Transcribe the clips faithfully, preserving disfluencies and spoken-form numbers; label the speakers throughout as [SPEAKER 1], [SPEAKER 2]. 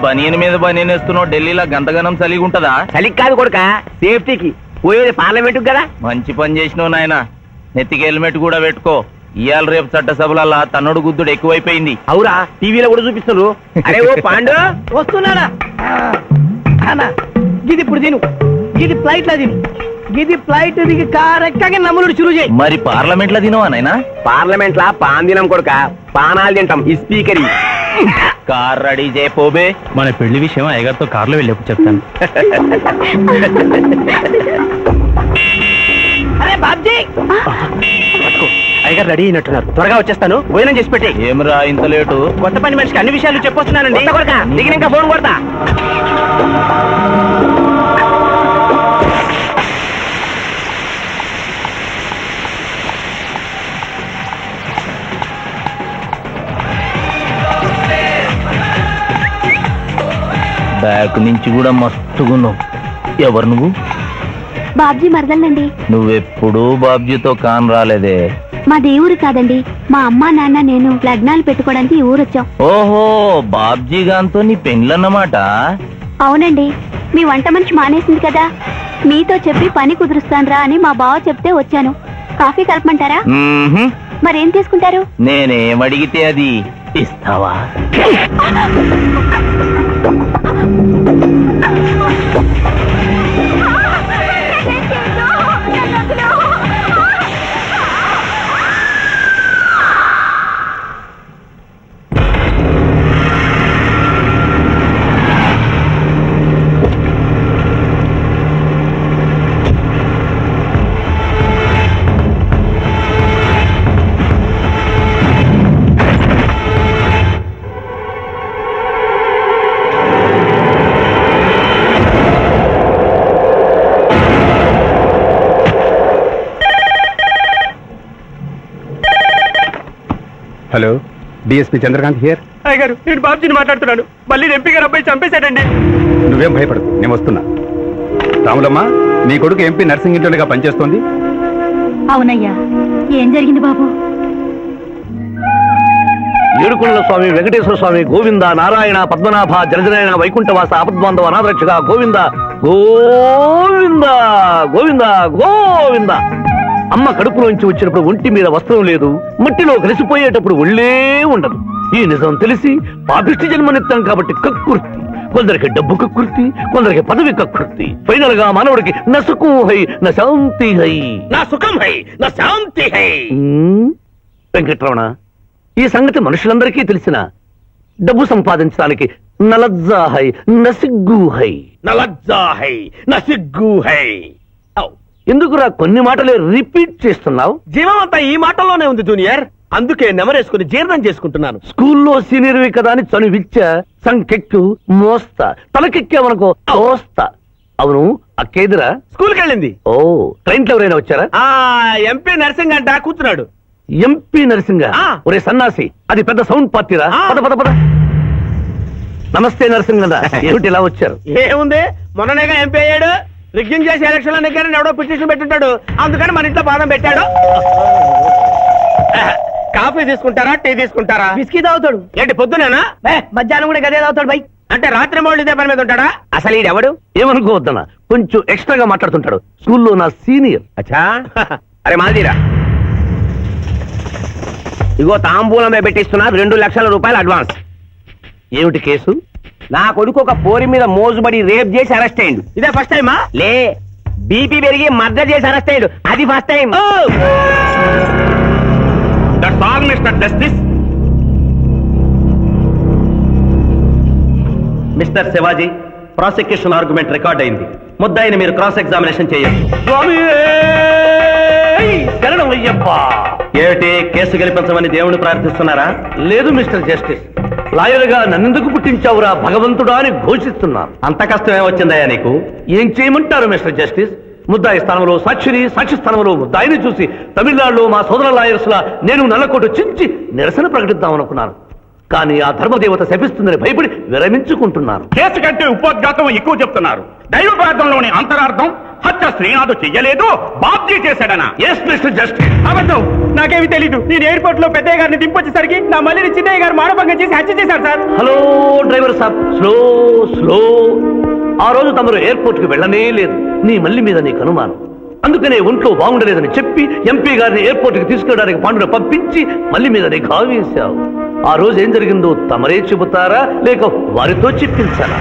[SPEAKER 1] బనియన్ మీద బనియన్ వేస్తున్నావు, ఢిల్లీలో గంతగనం చలిగి ఉంటదా?
[SPEAKER 2] చలికి కాదు కొడుక, సేఫ్టీకి. పోయేది పార్లమెంట్ కదా.
[SPEAKER 1] మంచి పని చేసినావు నాయన. నెత్తికి హెల్మెట్ కూడా పెట్టుకో. ఇవాళ రేపు చట్టసభలల్లా తన్నుడు గుద్దుడు ఎక్కువైపోయింది.
[SPEAKER 2] అవురా, టీవీలో కూడా చూపిస్తున్నారు. అరే ఓ పాండు
[SPEAKER 3] వస్తున్నానా గిది ఇప్పుడు తిను, గిది ఫ్లైట్ లో తిను, గిది ఫ్లైట్ దిగి కారెక్కగా నమ్ములు చురు చేయి.
[SPEAKER 1] మరి పార్లమెంట్ లో తినవా నాయనా?
[SPEAKER 2] పార్లమెంట్ లా పాన్ తినం కొడుక, పానాలు తింటాం. ఈ స్పీకర్
[SPEAKER 1] కార్ రెడీ చేయపోబే.
[SPEAKER 4] మన పెళ్లి విషయం అయ్యగారితో కార్లో వెళ్ళేప్పుడు చెప్తాను.
[SPEAKER 3] అరే బాబ్జీ,
[SPEAKER 2] అయ్యగారు రెడీ అయినట్టున్నారు. త్వరగా వచ్చేస్తాను, భోజనం చేసి పెట్టి.
[SPEAKER 1] ఏమరా ఇంత లేటు?
[SPEAKER 2] కొత్త పని మనిషికి అన్ని విషయాలు చెప్పొస్తున్నానండి. దిగిన ఇంకా ఫోన్ కొడతా.
[SPEAKER 1] బ్యాక్ నుంచి కూడా మస్తుగున్నావు. ఎవరు నువ్వు?
[SPEAKER 5] బాబ్జీ మరదలండి.
[SPEAKER 1] నువ్వెప్పుడు బాబ్జీతో కాన్ రాలేదే.
[SPEAKER 5] మా దేవురు కాదండి, మా అమ్మా నాన్న నేను లగ్నాలు పెట్టుకోవడానికి ఈ ఊరొచ్చాం.
[SPEAKER 1] ఓహో, బాబ్జీ గాంతో నీ పెండ్లన్నమాట.
[SPEAKER 5] అవునండి, మీ వంట మనిషి మానేసింది కదా, మీతో చెప్పి పని కుదురుస్తానురా అని మా బావ చెప్తే వచ్చాను. కాఫీ కలపమంటారా?
[SPEAKER 1] మ్మ్హ్మ్.
[SPEAKER 5] మరేం తీసుకుంటారు?
[SPEAKER 1] నేనేం అడిగితే అది ఇస్తావా?
[SPEAKER 6] Hello, DSP Chandrakant here.
[SPEAKER 2] అయ్యగారు, నేను బాబ్జీని మాట్లాడుతున్నాను. మళ్ళీ ఎంపీ గారు అబ్బాయి చంపేశాడండి.
[SPEAKER 6] నువ్వేం భయపడదు, నేను వస్తున్నా. రాములమ్మ, నీ కొడుకు ఎంపీ నర్సింగ్ ఇంటర్గా పనిచేస్తోంది.
[SPEAKER 5] అవునయ్యా, ఏం జరిగింది బాబు?
[SPEAKER 2] ఏడుకొండల స్వామి, వెంకటేశ్వర స్వామి, గోవింద, నారాయణ, పద్మనాభ, జలజనాయన, వైకుంఠవాస, ఆపద్బాంధవ, అనాథరక్షక, గోవింద గోవింద గోవింద గోవింద. అమ్మ కడుపులోంచి వచ్చినప్పుడు ఒంటి మీద వస్త్రం లేదు, మట్టిలో కలిసిపోయేటప్పుడు ఒళ్ళే ఉండదు. ఈ నిజం తెలిసి పాపిష్టి జన్మనిత్తాం కాబట్టి కక్కుర్తి. కొందరికి డబ్బు కక్కుర్తి, కొందరికి పదవి కక్కుర్తి. ఫైనల్ గా మానవుడికి నా సుఖం హై, నా శాంతి హై. నా సుఖం హై, నా శాంతి హై. వెంకటరమణ, ఈ సంగతి మనుషులందరికీ తెలిసిన డబ్బు సంపాదించడానికి నలజ్జా హై, నసిగ్గు హై. నలజ్జా హై, నసిగ్గు హై. ఎందుకురా కొన్ని మాటలే రిపీట్ చేస్తున్నావు? జీవం అంతా ఈ మాటల్లోనే ఉంది జూనియర్, అందుకే నెమరేసుకుని జీర్ణం చేసుకుంటున్నాను. స్కూల్లో సీనియర్వి కదా అని చనువిచ్చ సంకెక్కు మోస్తా, తలకెక్కావనుకో తోస్తా. అవును, అక్కేదిరా స్కూల్కి వెళ్ళింది. ఓ, ట్రైన్ లో ఎవరైనా వచ్చారా? ఎంపీ నరసింగ్ అంట కూర్చున్నాడు. ఎంపీ నరసింగ? ఒరే సన్నాసి, అది పెద్ద సౌండ్ పార్టీరా. పద పద పద. నమస్తే నరసింగ, ఏమిటి ఇలా వచ్చారు? ఏముంది, మొన్ననేగా ఎంపీ అయ్యాడు. రిగ్గింగ్ చేసి ఎలక్షన్ లో నెగ్గారని ఎవడో పిటిషన్ పెట్టుంటాడు, అందుకని మన ఇంట్లో బాదం పెట్టాడు. కాఫీ తీసుకుంటారా, టీ తీసుకుంటారా?
[SPEAKER 3] బిస్కీ తాగుతాడు.
[SPEAKER 2] ఏంటి పొద్దునేనా?
[SPEAKER 3] మధ్యాహ్నం కూడా గదే తాగుతాడు బై.
[SPEAKER 2] అంటే రాత్రి మౌళ్ళు ఇదే పని మీద ఉంటాడా? అసలు ఈడెవడు? ఏమనుకోవద్దన్నా, కొంచెం ఎక్స్ట్రాగా మాట్లాడుతుంటాడు. స్కూల్లో నా సీనియర్. అచ్చా, అరే మాదిరా, ఇగో తాంబూలమే పెట్టిస్తున్నా, రెండు లక్షల రూపాయలు అడ్వాన్స్. ఏమిటి కేసు? నా కొడుకు ఒక పోరి మీద మోజుబడి రేప్ చేసి అరెస్ట్ అయ్యిండు. ఇదే ఫస్ట్ టైమా? లే, బీపీ పెరిగి మర్డర్ చేసి అరెస్ట్ అయ్యాడు, అది first time. That's all mister justice. Mister Shivaji, prosecution argument record అయింది. ముద్దాయిని మీరు క్రాస్ ఎగ్జామినేషన్ చేయొచ్చు. ఏమిటి, కేసు గెలిపించమని దేవుని ప్రార్థిస్తున్నారా? లేదు మిస్టర్ జస్టిస్, లాయర్ గా నన్నెందుకు పుట్టించావురా భగవంతుడా అని ఘోషిస్తున్నాను. అంత కష్టమే వచ్చిందయ్యా నీకు? ఏం చేయమంటారు మిస్టర్ జస్టిస్? ముద్దాయి స్థానంలో సాక్షిని, సాక్షి స్థానంలో ముద్దాయిని చూసి తమిళనాడులో మా సోదర లాయర్స్ లా నేను నల్లకోటు చించి నిరసన ప్రకటిద్దాం అనుకున్నాను. కానీ ఆ ధర్మదేవత శపిస్తుందని భయపడి విరమించుకుంటున్నాను.
[SPEAKER 6] కేసు కంటే ఉపోద్ఘాతం ఎక్కువ చెప్తున్నారు. దైవ ప్రార్థనలోని అంతరార్థం హత్య శ్రీనాథ్ చెయ్యలేదు, బాబ్జీ చేశాడనా?
[SPEAKER 2] Yes mister justice.
[SPEAKER 3] అబద్ధం, నాకేమి తెలీదు. నేను ఎయిర్పోర్ట్ లో పెద్దయ్య గారిని దింపొచ్చేసరికి నా మళ్ళీ చిన్నయ్య గారు మానభంగం చేసి హత్య చేశారు సార్.
[SPEAKER 2] హలో డ్రైవర్ సాబ్, స్లో స్లో. ఆ రోజు తమరు ఎయిర్పోర్ట్ కి వెళ్ళనే లేదు. నీ మల్లి మీద నీకు అనుమానం, అందుకనే ఒంట్లో బాగుండలేదని చెప్పి ఎంపీ గారిని ఎయిర్పోర్ట్ కి తీసుకెళ్ళడానికి పాండును పంపించి మల్లి మీద నీకు ఆవేశావు. ఆ రోజు ఏం జరిగిందో తమరే చెబుతారా లేక వారితో చెప్పించారా?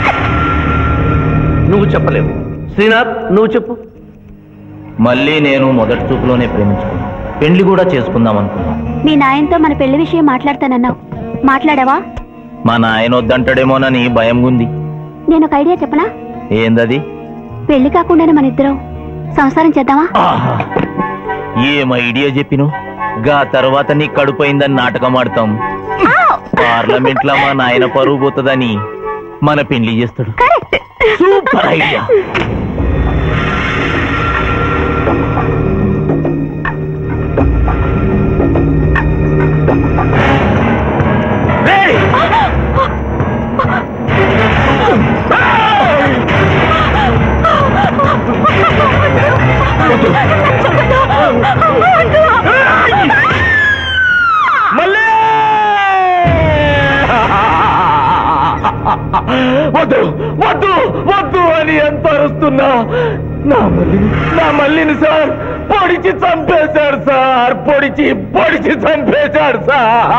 [SPEAKER 2] నువ్వు చెప్పలేవు. శ్రీనాథ్, నువ్వు చెప్పు.
[SPEAKER 1] మళ్ళీ నేను మొదటి చూపులోనే ప్రేమించుకున్నాను, పెళ్లి కూడా చేసుకుందాం అనుకున్నాను.
[SPEAKER 5] మీ నాయనతో మన పెళ్లి విషయం మాట్లాడతానన్నావు, మాట్లాడావా?
[SPEAKER 1] మా నాయన వద్దంటాడేమోనని భయం ఉంది.
[SPEAKER 5] నేను ఒక ఐడియా చెప్పనా?
[SPEAKER 1] ఏందది?
[SPEAKER 5] పెళ్లి కాకుండానే మన ఇద్దరం సంసారం చేద్దామా?
[SPEAKER 1] ఆహా, ఏం ఐడియా చెప్పిను. గా తర్వాత నీ కడుపోయిందని నాటకం ఆడతాం. పార్లమెంట్ లో మా నాయన పరువు పోతుందని మన పెళ్లి చేస్తాడు. Super idea. వద్దు వద్దు వద్దు అని ఎంత అరుస్తున్నా నా మల్లిని నా మల్లిని సార్ పొడిచి చంపేశాడు సార్. పొడిచి పొడిచి చంపేశాడు సార్.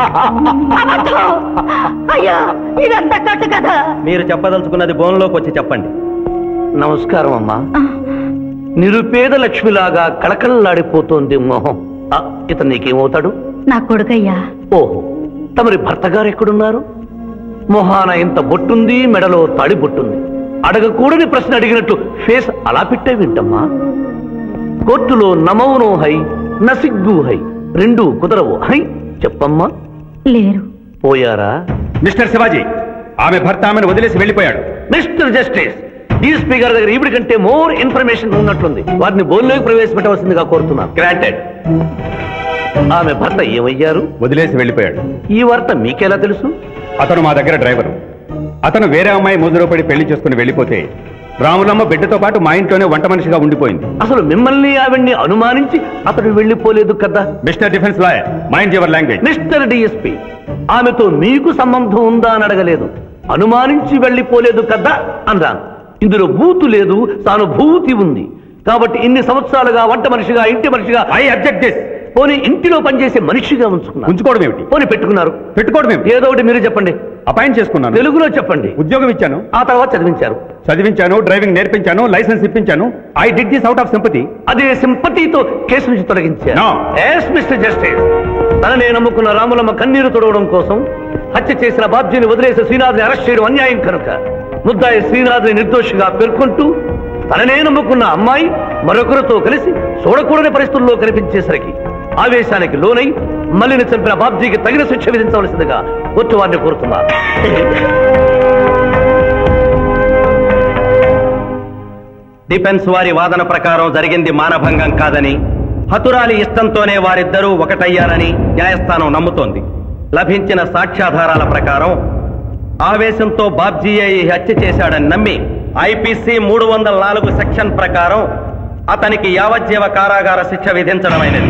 [SPEAKER 5] అయ్యా, ఇదంతా కట్టు కదా.
[SPEAKER 4] మీరు చెప్పదలుచుకున్నది బోన్లోకి వచ్చి చెప్పండి.
[SPEAKER 2] నమస్కారం అమ్మా. నిరుపేద లక్ష్మిలాగా కళకళలాడిపోతోంది మొహం. ఆ, ఇతను నీకేమవుతాడు?
[SPEAKER 5] నా కొడుకయ్యా.
[SPEAKER 2] ఓహో, తమరి భర్త గారు ఎక్కడున్నారు? మొహాన ఇంత బొట్టుంది, మెడలో తాడి బొట్టుంది. అడగకూడని ప్రశ్న అడిగినట్లు ఫేస్ అలా పెట్టే వింటమ్మా. కోర్టులో నమౌనో హై నసిగ్గు హై, రెండు కుదరవు హై. చెప్పమ్మా.
[SPEAKER 5] లేరు.
[SPEAKER 2] పోయారా?
[SPEAKER 6] మిస్టర్ శివాజీ, ఆమె భర్త ఆమెను వదిలేసి వెళ్ళిపోయాడు.
[SPEAKER 2] మిస్టర్ జస్టిస్, ఈ స్పీకర్ దగ్గర ఈవిడి కంటే మోర్ ఇన్ఫర్మేషన్ ఉన్నట్లుంది. వారిని బోన్లోకి ప్రవేశపెట్టవలసిందిగా కోరుతున్నాను. గ్రాంటెడ్. ఆమె భర్త ఏమయ్యారు?
[SPEAKER 6] వదిలేసి వెళ్ళిపోయాడు.
[SPEAKER 2] ఈ వార్త మీకెలా తెలుసు?
[SPEAKER 6] అతను మా దగ్గర డ్రైవరు. అతను వేరే అమ్మాయి ముదురు పడి పెళ్లి చేసుకుని వెళ్ళిపోతే రాములమ్మ బిడ్డతో పాటు మా ఇంట్లోనే వంట మనిషిగా ఉండిపోయింది.
[SPEAKER 2] అసలు మిమ్మల్ని ఆవిడ్ని అనుమానించి అతడు వెళ్ళిపోలేదు కదా?
[SPEAKER 6] Mister defence lawyer, mind your language.
[SPEAKER 2] Mister DSP, ఆమెతో మీకు సంబంధం ఉందా అని అడగలేదు, అనుమానించి వెళ్ళిపోలేదు కదా అన్నాను. ఇందులో భూతు లేదు, సానుభూతి ఉంది. కాబట్టి ఇన్ని సంవత్సరాలుగా వంట మనిషిగా, ఇంటి మనిషిగా,
[SPEAKER 6] ఐ అబ్జెక్ట్ దిస్.
[SPEAKER 2] పోనీ ఇంటిలో పనిచేసే మనిషిగా ఉంచుకున్నారు.
[SPEAKER 6] ఉంచుకోవడం ఏమిటి?
[SPEAKER 2] పోనీ పెట్టుకున్నారు.
[SPEAKER 6] పెట్టుకోవడం ఏమిటి?
[SPEAKER 2] ఏదో ఒకటి మీరు చెప్పండి.
[SPEAKER 6] అపాయింట్ చేసుకున్నాను.
[SPEAKER 2] తెలుగులో చెప్పండి.
[SPEAKER 6] ఉద్యోగం ఇచ్చాను.
[SPEAKER 2] ఆ తర్వాత చదివించారు.
[SPEAKER 6] చదివించాను, డ్రైవింగ్ నేర్పించాను, లైసెన్స్ ఇప్పించాను. I did this out of sympathy.
[SPEAKER 2] అదే సింపతితో కేసు నుంచి తొలగించారు.
[SPEAKER 6] No.
[SPEAKER 2] ఎస్ మిస్టర్ జస్టిస్, తననే నమ్ముకున్న రాములమ్మ కన్నీరు తొడవడం కోసం హత్య చేసిన బాబ్జీని వదిలేసి శ్రీనాథ్ని అరెస్ట్ చేయడం అన్యాయం కనుక ముద్దాయి శ్రీనాథ్ని నిర్దోషిగా పేర్కొంటూ తననే నమ్ముకున్న అమ్మాయి మరొకరితో కలిసి చూడకూడని పరిస్థితుల్లో కనిపించేసరికి ఆవేశానికి లోనై మల్లిని చంపిన బాబ్జీకి తగిన శిక్ష విధించవలసిందిగా కోర్టు వారిని కోరుతున్నారు.
[SPEAKER 4] డిఫెన్స్ వారి వాదన ప్రకారం జరిగింది మానభంగం కాదని, హతురాలి ఇష్టంతోనే వారిద్దరూ ఒకటయ్యారని న్యాయస్థానం నమ్ముతోంది. లభించిన సాక్ష్యాధారాల ప్రకారం ఆవేశంతో బాబ్జీయే ఈ హత్య చేశాడని నమ్మి ఐపీసీ మూడు వందల నాలుగు సెక్షన్ ప్రకారం అతనికి యావజ్జీవ కారాగార శిక్ష విధించడమైనది.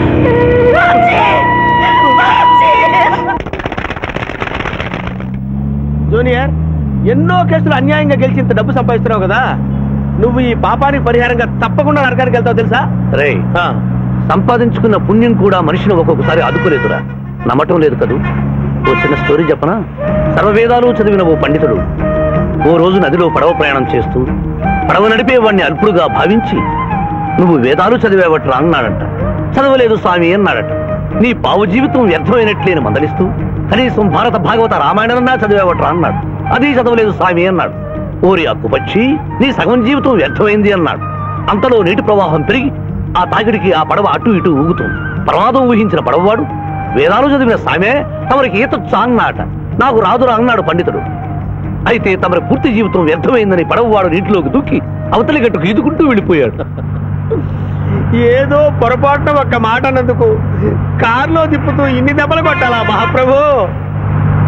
[SPEAKER 3] జూనియర్, ఎన్నో కేసులు అన్యాయంగా గెలిచి ఇంత డబ్బు సంపాదిస్తున్నావు కదా, నువ్వు ఈ పాపానికి పరిహారంగా తప్పకుండా నరకానికి వెళ్తావు తెలుసా?
[SPEAKER 2] రే, సంపాదించుకున్న పుణ్యం కూడా మనిషిని ఒక్కొక్కసారి అదుపులేదురా. నమ్మటం లేదు కదూ. ఓ చిన్న స్టోరీ చెప్పనా? సర్వవేదాలు చదివిన ఓ పండితుడు ఓ రోజు నదిలో పడవ ప్రయాణం చేస్తూ పడవ నడిపే వాడిని అల్పుడుగా భావించి, నువ్వు వేదాలు చదివేవట్రా అన్నాడట. చదవలేదు స్వామి అన్నాడట. నీ పావు జీవితం వ్యర్థమైనట్లేని మందలిస్తూ, కనీసం భారత భాగవత రామాయణన్నా చదివేవట్రా అన్నాడు. అది చదవలేదు స్వామి అన్నాడు. ఓరి అక్కుపక్షి, నీ సగం జీవితం వ్యర్థమైంది అన్నాడు. అంతలో నీటి ప్రవాహం పెరిగి ఆ తాకిడికి ఆ పడవ అటు ఇటు ఊగుతుంది. ప్రమాదం ఊహించిన పడవవాడు, వేదాలు చదివిన సామే తమరికి ఈత చాన్నాట. నాకు రాదురా అన్నాడు పండితుడు. అయితే తమరి పూర్తి జీవితం వ్యర్థమైందని పడవవాడు నీటిలోకి దూకి అవతలి గట్టుకు ఈదుకుంటూ వెళ్ళిపోయాడు.
[SPEAKER 3] ఏదో పొరపాటున ఒక్క మాట అన్నందుకు కారులో తిప్పుతూ ఇన్ని దెబ్బలు కొట్టాలా మహాప్రభు?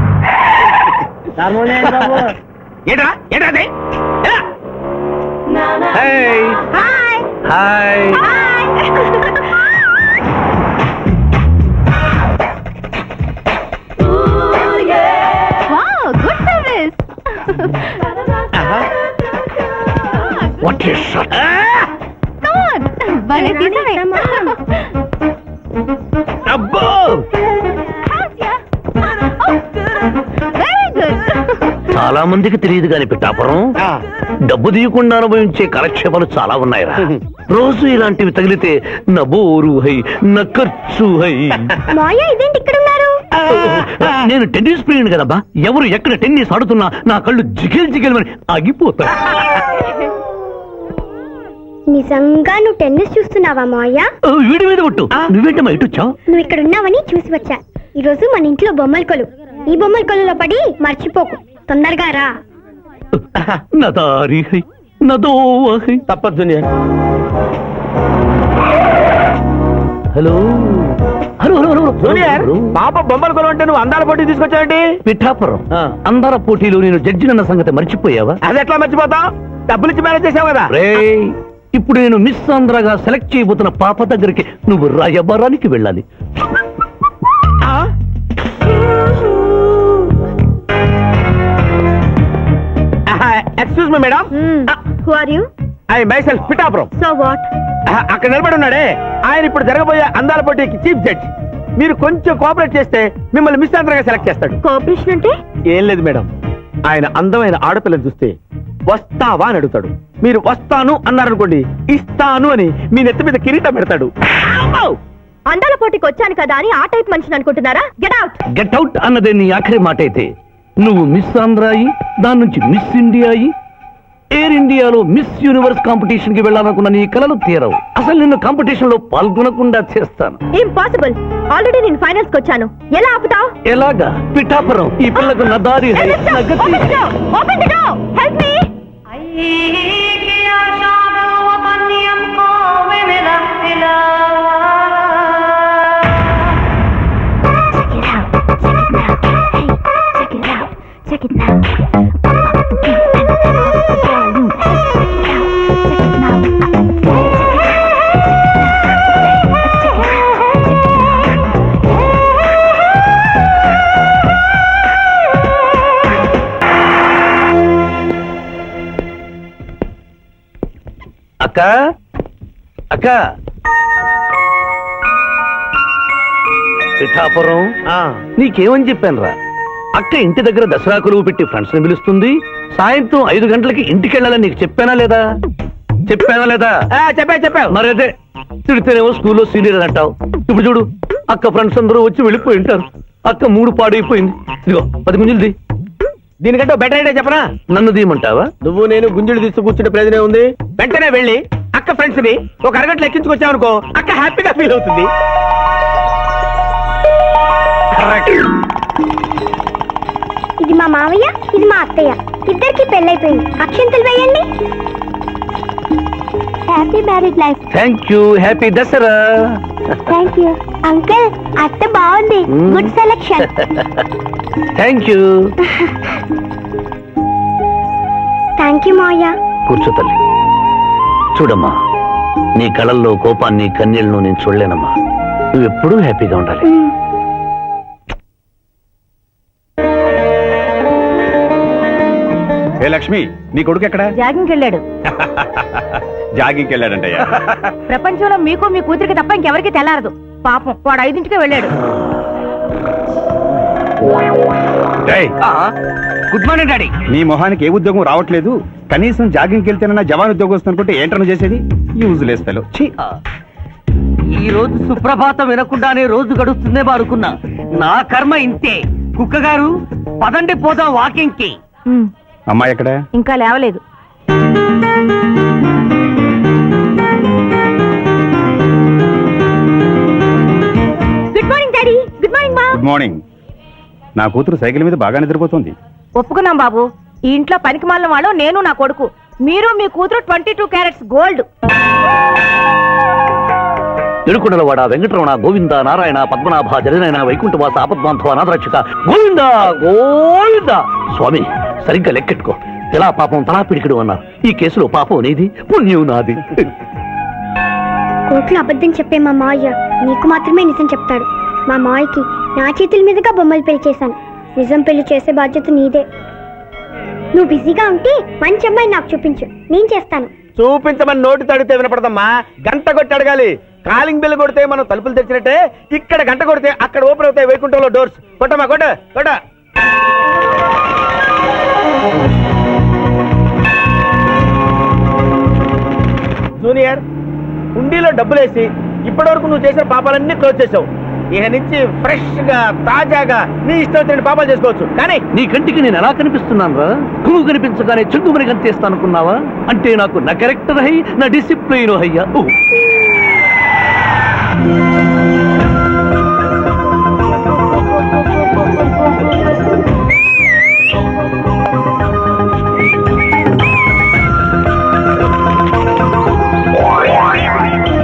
[SPEAKER 3] ఏంట్రా ఏంట్రా అది? ఎలా?
[SPEAKER 2] Hi hi
[SPEAKER 5] good service.
[SPEAKER 2] What is shot
[SPEAKER 5] భలే తీసావే.
[SPEAKER 3] అబ్బో
[SPEAKER 5] వెరీ గుడ్.
[SPEAKER 2] చాలా మందికి తెలియదు కాని పిఠాపురం
[SPEAKER 3] ఆ,
[SPEAKER 2] డబ్బు తీయకుండా అనుభవించే కాలక్షేపాలు చాలా ఉన్నాయిరా. రోజు ఇలాంటివి తగిలితే నా బోరు హై నా ఖర్చు హై.
[SPEAKER 5] మాయ ఇదేంటి ఇక్కడ ఉన్నారు?
[SPEAKER 2] నేను టెన్నిస్ ప్లేయర్ కదబ్బా, ఎవరు ఎక్కడ టెన్నిస్ ఆడుతున్నా నా కళ్ళు జిగిల్ జిగిల్ అని ఆగిపోతాయి.
[SPEAKER 5] నిజంగా నువ్వు టెన్నిస్ చూస్తున్నావా మాయ?
[SPEAKER 2] ఓ, వీడి మీద కొట్టు. నువ్వేంటమ్మా ఇటు వచ్చావు?
[SPEAKER 5] నువ్వు ఇక్కడ ఉన్నావని చూసి వచ్చా. ఈ రోజు మన ఇంట్లో బొమ్మల కొలు. ఈ బొమ్మల కొలులో పడి మర్చిపోకు. తొందరగా రా.
[SPEAKER 2] నా దారి హై నా దోవ హై.
[SPEAKER 3] తప్పదు junior.
[SPEAKER 2] Hello hello hello hello
[SPEAKER 3] junior పాప బొమ్మల కొలు అంటే నువ్వు అందాల పోటీ తీసుకొచ్చావేంటి?
[SPEAKER 2] పిఠాపురం
[SPEAKER 3] ఆ.
[SPEAKER 2] అందర పోటీలో నేను జడ్జినన్న సంగతి మర్చిపోయావా?
[SPEAKER 3] అది ఎట్లా మర్చిపోతావు? డబ్బులు ఇచ్చి మేనేజ్ చేసావు కదా.
[SPEAKER 2] రేయ్, ఇప్పుడు నేను మిస్ ఆంధ్రగా సెలెక్ట్ చేయబోతున్న పాప దగ్గరికి నువ్వు రాయబారానికి వెళ్ళాలి.
[SPEAKER 3] Excuse me madam,
[SPEAKER 5] who are you?
[SPEAKER 3] I myself Pithapuram.
[SPEAKER 5] So what?
[SPEAKER 3] అక్కడ నిలబడి ఉన్నాడే ఆయన ఇప్పుడు జరగబోయే అందాల పోటీకి చీఫ్ జడ్జ్. మీరు కొంచెం కోఆపరేట్ చేస్తే మిమ్మల్ని మిస్ ఆంధ్రగా సెలెక్ట్ చేస్తాడు.
[SPEAKER 5] కోఆపరేషన్ అంటే?
[SPEAKER 3] ఏం లేదు మేడం, ఆయన అందమైన ఆడపిల్లని చూస్తే వస్తావా అని అడుగుతాడు. మీరు వస్తాను అన్నారనుకోండి, ఇస్తాను అని మీ నెత్తి మీద కిరీటం పెడతాడు.
[SPEAKER 5] అందాల పోటీకి వచ్చాను కదా అని ఆ టైప్ మనిషిని అనుకుంటున్నారా? Get out.
[SPEAKER 2] గెట్ అవుట్ అన్నదే నీ ఆఖరి మాట అయితే, నువ్వు మిస్ ఆంధ్ర అయి దాని నుంచి మిస్ ఇండియా అయి ఎయిర్ ఇండియాలో మిస్ యూనివర్స్ కాంపిటీషన్ కి వెళ్ళాలనుకున్న నీ కలలు తీరవు. అసలు నిన్ను కాంపిటీషన్ లో పాల్గొనకుండా చేస్తాను.
[SPEAKER 5] ఇంపాసిబుల్. ఆల్రెడీ నేను ఫైనల్స్ కి వచ్చాను. ఎలా ఆపుతావ్?
[SPEAKER 2] ఎలాగా? పిఠాపురం ఈ పిల్లకు నా దారి హై, నా గతి.
[SPEAKER 5] Open the door. Help me. Check it now.
[SPEAKER 2] అక్క అక్క పిఠాపురం నీకేమని చెప్పాను రా? అక్క ఇంటి దగ్గర దసరా కొలువు పెట్టి ఫ్రెండ్స్ ని పిలుస్తుంది. సాయంత్రం ఐదు గంటలకి ఇంటికి వెళ్ళాలని నీకు చెప్పానా లేదా? చెప్పానా లేదా?
[SPEAKER 3] చెప్పా చెప్పావు.
[SPEAKER 2] మరైతే తిడితేనేమో స్కూల్లో సీనియర్ అని అంటావు. ఇప్పుడు చూడు, అక్క ఫ్రెండ్స్ అందరూ వచ్చి వెళ్ళిపోయి ఉంటారు. అక్క మూడు పాడైపోయింది. ఇదిగో పది గుంజులది.
[SPEAKER 3] దీనికంటే బెటర్ ఐడియా చెప్పనా?
[SPEAKER 2] నన్ను దీయమంటావా?
[SPEAKER 3] నువ్వు నేను గుంజులు తీస్తూ కూర్చుంటే ప్రయోజనం ఉంది. వెంటనే వెళ్ళి అక్క ఫ్రెండ్స్ ని ఒక అరగంటలో ఎక్కించుకొచ్చావనుకో, అక్క హ్యాపీగా ఫీల్ అవుతుంది.
[SPEAKER 5] ఇది మా మావయ్య, ఇది మా అత్తయ్య. ఇద్దరికి పెళ్ళైపోయింది. అక్షంతలు వేయండి. Happy marriage life.
[SPEAKER 2] Thank you. Happy Dasara.
[SPEAKER 5] Thank you uncle. అత్త బాగుంది. Good selection.
[SPEAKER 2] Thank you.
[SPEAKER 5] Thank you మావయ్య.
[SPEAKER 2] కూర్చో తల్లి. చూడమ్మా, నీ కళల్లో కోపాన్ని కన్నీళ్లను నేను చూడలేనమ్మా. నువ్వెప్పుడూ హ్యాపీగా ఉండాలి.
[SPEAKER 6] ఏ లక్ష్మి, నీ కొడుకు ఎక్కడ?
[SPEAKER 7] జాగింగ్కి వెళ్ళాడు.
[SPEAKER 6] జాగింగ్కి వెళ్ళాడంటయ్యా.
[SPEAKER 7] ప్రపంచంలో మీకు మీ కూతురికి తప్ప ఇంకెవరికి తెల్లారదు. పాపం వాడు ఐదింటికే వెళ్ళాడు.
[SPEAKER 6] డేయ్,
[SPEAKER 2] గుడ్ మార్నింగ్ డాడీ.
[SPEAKER 6] నీ మొహానికి ఏ ఉద్యోగం రావట్లేదు. కనీసం జాగింగ్కి వెళ్తేనన్నా జవాన్ ఉద్యోగం వస్తుంది అనుకుంటే ఏంటన్నా చేసేది? Useless fellow.
[SPEAKER 2] ఈ రోజు సుప్రభాతం వినకుండానే రోజు గడుస్తుందే అనుకున్నా. నా కర్మ ఇంతే. కుక్క గారు పదండి పోదాం వాకింగ్ కి.
[SPEAKER 7] ఉమ్,
[SPEAKER 6] అమ్మాయి ఎక్కడ?
[SPEAKER 7] ఇంకా లేవలేదు.
[SPEAKER 5] Good morning daddy. Good morning మా.
[SPEAKER 6] Good morning. నా కూతురు సైకిల్ మీద బాగా నిద్రపోతుంది.
[SPEAKER 7] ఒప్పుకున్నాం బాబు. ఈ ఇంట్లో పనికి మాలిన వాళ్ళు నేను నా కొడుకు. మీరు మీ కూతురు ట్వంటీ టూ క్యారెట్స్ గోల్డ్.
[SPEAKER 2] ఎరుకుడలవాడ వెంకటరమణ గోవింద నారాయణ పద్మనాభ జగనైన వైకుంఠవాస ఆపద్బాంధవ అనాథరక్షక గోవింద గోవింద. స్వామి సరిగ్గా లెక్కెట్టుకో. ఎలా పాపం తలా పిడికిడు అన్నారు. ఈ కేసులో పాపం నీది, పుణ్యం నాది.
[SPEAKER 8] కోర్టులో అబద్ధం చెప్పే మా మావయ్య నీకు మాత్రమే నిజం చెప్తాడు. మా మావయ్యకి నా చేతుల మీదుగా బొమ్మలు పెళ్లి చేశాను. నిజం పెళ్లి చేసే బాధ్యత నీదే. నువ్వు బిజీగా ఉంటే మంచి అమ్మాయి నాకు చూపించు, నేను చేస్తాను.
[SPEAKER 3] చూపించమని నోటి తడితే వినపడదమ్మా, గంట కొట్టి అడగాలి. కాలింగ్ బిల్ కొడితే మనం తలుపులు తెచ్చినట్టే ఇక్కడ గంట కొడితే అక్కడ ఓపెన్ అవుతాయి వైకుంఠంలో డోర్స్. కొట్టమ్మా కొట్ట కొట్ట. జూనియర్, హుండీలో డబ్బులేసి ఇప్పటి వరకు నువ్వు చేసిన పాపాలన్నీ క్లోజ్ చేసావు. ఇక నుంచి ఫ్రెష్ గా తాజాగా నీ ఇష్టం వచ్చిన పాపాలు చేసుకోవచ్చు. కానీ
[SPEAKER 2] నీ కంటికి నేను ఎలా కనిపిస్తున్నాను రా? కుమ్ము కనిపించగానే చెంగుమని కనిపిస్తానుకున్నావా? అంటే నాకు నా క్యారెక్టర్ హై, నా డిసిప్లిన్ హయ్యా.